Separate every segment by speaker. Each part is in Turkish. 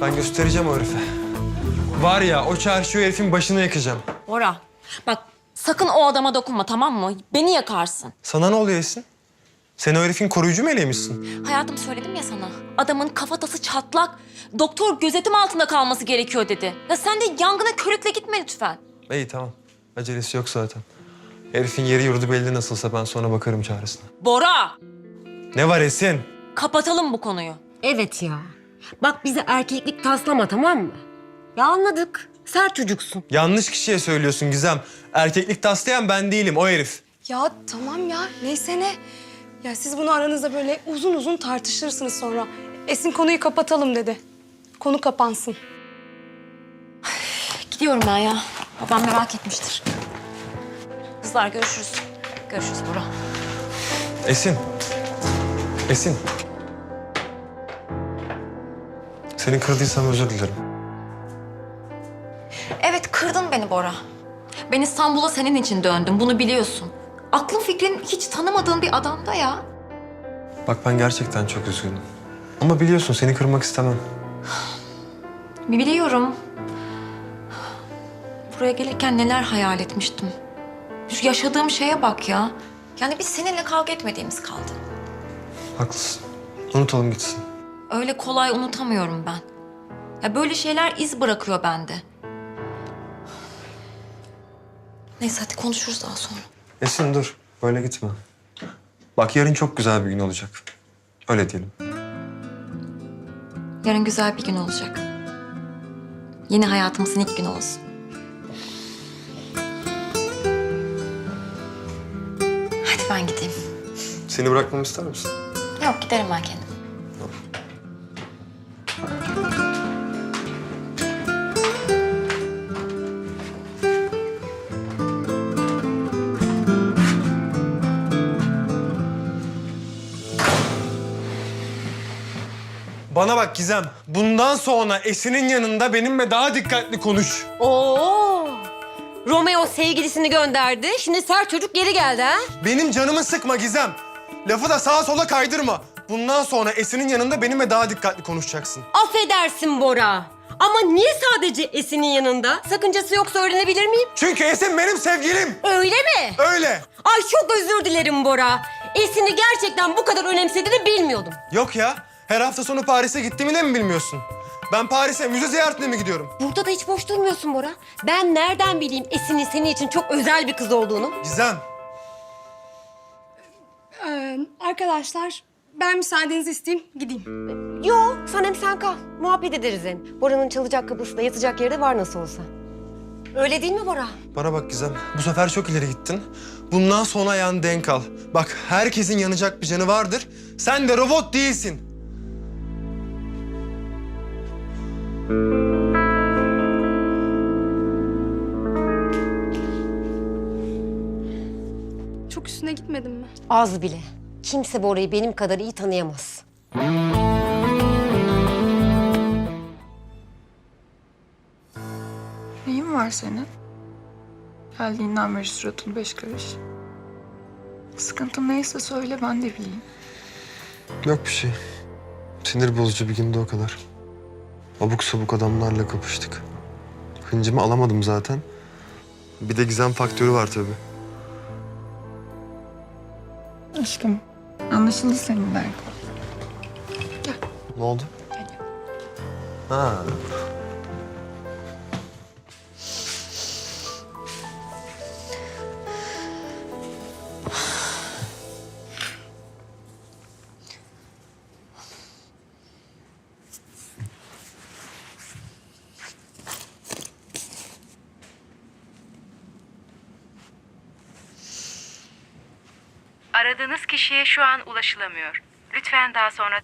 Speaker 1: Ben göstereceğim o herife. Var ya, o çarşı o herifin başını yakacağım.
Speaker 2: Bora, bak sakın o adama dokunma, tamam mı? Beni yakarsın.
Speaker 1: Sana ne oluyor Esin? Sen o herifin koruyucu meleği
Speaker 2: Hayatım, söyledim ya sana. Adamın kafatası çatlak. Doktor gözetim altında kalması gerekiyor dedi. Ya sen de yangına körükle gitme lütfen.
Speaker 1: İyi tamam. Acelesi yok zaten. Herifin yeri yurdu belli nasılsa ben sonra bakarım çaresine.
Speaker 2: Bora!
Speaker 1: Ne var Esin?
Speaker 2: Kapatalım bu konuyu.
Speaker 3: Evet ya. Bak bize erkeklik taslama, tamam mı? Ya anladık. Sert çocuksun.
Speaker 1: Yanlış kişiye söylüyorsun Gizem. Erkeklik taslayan ben değilim, o herif.
Speaker 4: Ya tamam ya, neyse ne. Ya siz bunu aranızda böyle uzun uzun tartışırsınız sonra. Esin konuyu kapatalım dedi. Konu kapansın.
Speaker 2: Gidiyorum ben ya. Babam merak etmiştir. Kızlar görüşürüz. Görüşürüz Bora.
Speaker 1: Esin. Esin. Seni kırdıysam özür dilerim.
Speaker 2: Evet, kırdın beni Bora. Ben İstanbul'a senin için döndüm, bunu biliyorsun. Aklın fikrin hiç tanımadığın bir adamda ya.
Speaker 1: Bak ben gerçekten çok üzgünüm. Ama biliyorsun seni kırmak istemem.
Speaker 2: Biliyorum. Buraya gelirken neler hayal etmiştim. Şu yaşadığım şeye bak ya. Yani biz seninle kavga etmediğimiz kaldı.
Speaker 1: Haklısın. Unutalım gitsin.
Speaker 2: Öyle kolay unutamıyorum ben. Ya böyle şeyler iz bırakıyor bende. Neyse hadi konuşuruz daha sonra.
Speaker 1: Esin dur. Böyle gitme. Bak yarın çok güzel bir gün olacak. Öyle diyelim.
Speaker 2: Yarın güzel bir gün olacak. Yeni hayatımızın ilk günü olsun. Hadi ben gideyim.
Speaker 1: Seni bırakmamı ister misin?
Speaker 2: Yok, giderim ben kendim.
Speaker 1: Bana bak Gizem. Bundan sonra Esin'in yanında benimle daha dikkatli konuş.
Speaker 3: Oo! Romeo sevgilisini gönderdi. Şimdi sert çocuk geri geldi ha?
Speaker 1: Benim canımı sıkma Gizem. Lafı da sağa sola kaydırma. Bundan sonra Esin'in yanında benimle daha dikkatli konuşacaksın.
Speaker 3: Affedersin Bora. Ama niye sadece Esin'in yanında? Sakıncası yoksa öğrenebilir miyim?
Speaker 1: Çünkü Esin benim sevgilim.
Speaker 3: Öyle mi?
Speaker 1: Öyle.
Speaker 3: Ay çok özür dilerim Bora. Esin'i gerçekten bu kadar önemsediğini bilmiyordum.
Speaker 1: Yok ya. Her hafta sonu Paris'e gittiğimi de mi bilmiyorsun? Ben Paris'e müze ziyaretine mi gidiyorum?
Speaker 3: Burada da hiç boş durmuyorsun Bora. Ben nereden bileyim Esin'in senin için çok özel bir kız olduğunu?
Speaker 1: Gizem.
Speaker 4: Arkadaşlar, ben müsaadenizi isteyeyim, gideyim.
Speaker 3: Yo, sen hem sen kal. Muhabbet ederiz hem. Bora'nın çalacak kapısı da yatacak yeri de var nasıl olsa. Öyle değil mi Bora?
Speaker 1: Bana bak Gizem. Bu sefer çok ileri gittin. Bundan sonra ayağını denk al. Bak herkesin yanacak bir canı vardır. Sen de robot değilsin.
Speaker 4: Çok üstüne gitmedim mi?
Speaker 3: Az bile. Kimse Bora'yı benim kadar iyi tanıyamaz.
Speaker 5: Neyin var senin? Geldiğinden beri suratın 5 karış. Sıkıntın neyse söyle ben de bileyim.
Speaker 1: Yok bir şey. Sinir bozucu bir gündü o kadar. Abuk sabuk adamlarla kapıştık. Hıncımı alamadım zaten. Bir de Gizem faktörü var tabii.
Speaker 5: Aşkım anlaşıldı senin derdin.
Speaker 1: Ne oldu? Ha.
Speaker 6: Aradığınız kişiye şu an ulaşılamıyor. Lütfen daha sonra...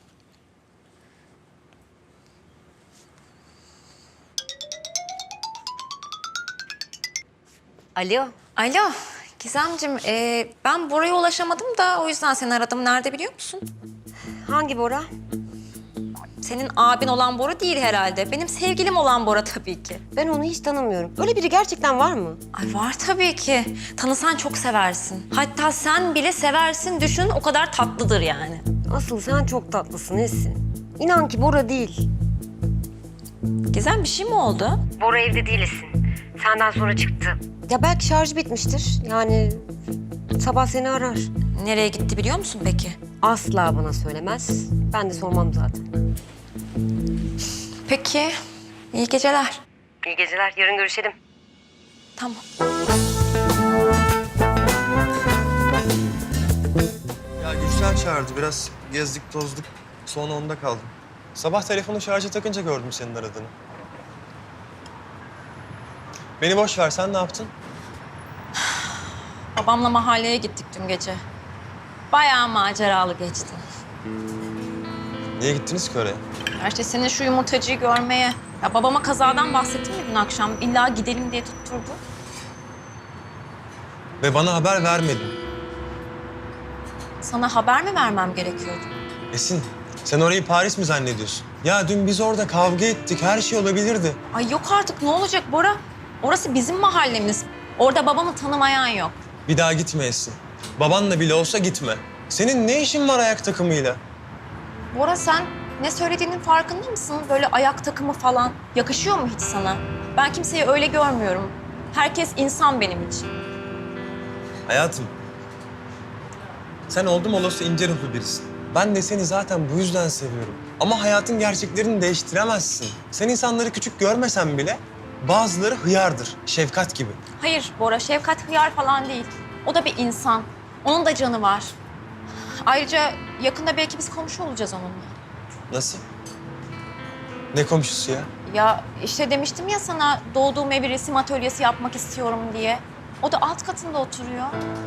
Speaker 3: Alo.
Speaker 2: Alo Gizemciğim, ben Bora'ya ulaşamadım da o yüzden seni aradım. Nerede biliyor musun?
Speaker 3: Hangi Bora?
Speaker 2: Senin abin olan Bora değil herhalde. Benim sevgilim olan Bora tabii ki.
Speaker 3: Ben onu hiç tanımıyorum. Öyle biri gerçekten var mı?
Speaker 2: Ay var tabii ki. Tanısan çok seversin. Hatta sen bile seversin. Düşün, o kadar tatlıdır yani.
Speaker 3: Asıl sen çok tatlısın Esin. İnan ki Bora değil.
Speaker 2: Gizem bir şey mi oldu?
Speaker 3: Bora evde değilsin. Senden sonra çıktı. Ya belki şarjı bitmiştir. Yani sabah seni arar.
Speaker 2: Nereye gitti biliyor musun peki?
Speaker 3: Asla bana söylemez. Ben de sormam zaten.
Speaker 2: Peki, iyi geceler.
Speaker 3: İyi geceler. Yarın görüşelim.
Speaker 2: Tamam.
Speaker 1: Ya Gülşen çağırdı. Biraz gezdik tozduk. Sonra onda kaldım. Sabah telefonu şarja takınca gördüm senin aradığını. Beni boş ver. Sen ne yaptın?
Speaker 2: Babamla mahalleye gittik dün gece. Bayağı maceralı geçti.
Speaker 1: Niye gittiniz ki oraya?
Speaker 2: Ya işte senin şu yumurtacıyı görmeye. Ya babama kazadan bahsettim ya dün akşam. İlla gidelim diye tutturdu.
Speaker 1: Ve bana haber vermedin.
Speaker 2: Sana haber mi vermem gerekiyordu?
Speaker 1: Esin, sen orayı Paris mi zannediyorsun? Ya dün biz orada kavga ettik. Her şey olabilirdi.
Speaker 2: Ay yok artık ne olacak Bora? Orası bizim mahallemiz. Orada babamı tanımayan yok.
Speaker 1: Bir daha gitme Esin. Babanla bile olsa gitme. Senin ne işin var ayak takımıyla?
Speaker 2: Bora sen ne söylediğinin farkında mısın? Böyle ayak takımı falan yakışıyor mu hiç sana? Ben kimseyi öyle görmüyorum. Herkes insan benim için.
Speaker 1: Hayatım, sen oldum olası ince ruhlu birisin. Ben de seni zaten bu yüzden seviyorum. Ama hayatın gerçeklerini değiştiremezsin. Sen insanları küçük görmesen bile bazıları hıyardır, Şefkat gibi.
Speaker 2: Hayır Bora, Şefkat hıyar falan değil. O da bir insan. Onun da canı var. Ayrıca yakında belki biz komşu olacağız onunla.
Speaker 1: Nasıl? Ne komşusu ya?
Speaker 2: Ya işte demiştim ya sana doğduğum evi resim atölyesi yapmak istiyorum diye. O da alt katında oturuyor.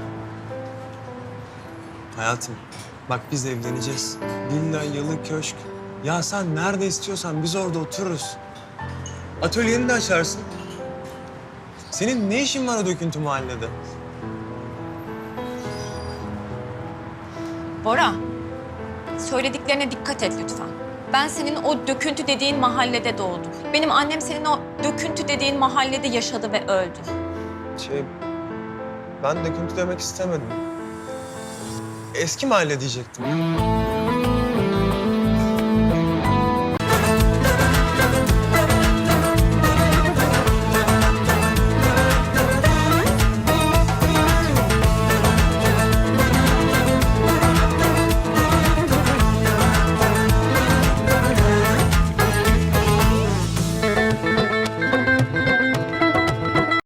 Speaker 1: Hayatım, bak biz evleneceğiz. Villa, yalı, köşk. Ya sen nerede istiyorsan biz orada otururuz. Atölyeni de açarsın. Senin ne işin var o döküntü mahallede?
Speaker 2: Bora, söylediklerine dikkat et lütfen. Ben senin o döküntü dediğin mahallede doğdum. Benim annem senin o döküntü dediğin mahallede yaşadı ve öldü.
Speaker 1: Ben döküntü demek istemedim. Eski mahalle diyecektim.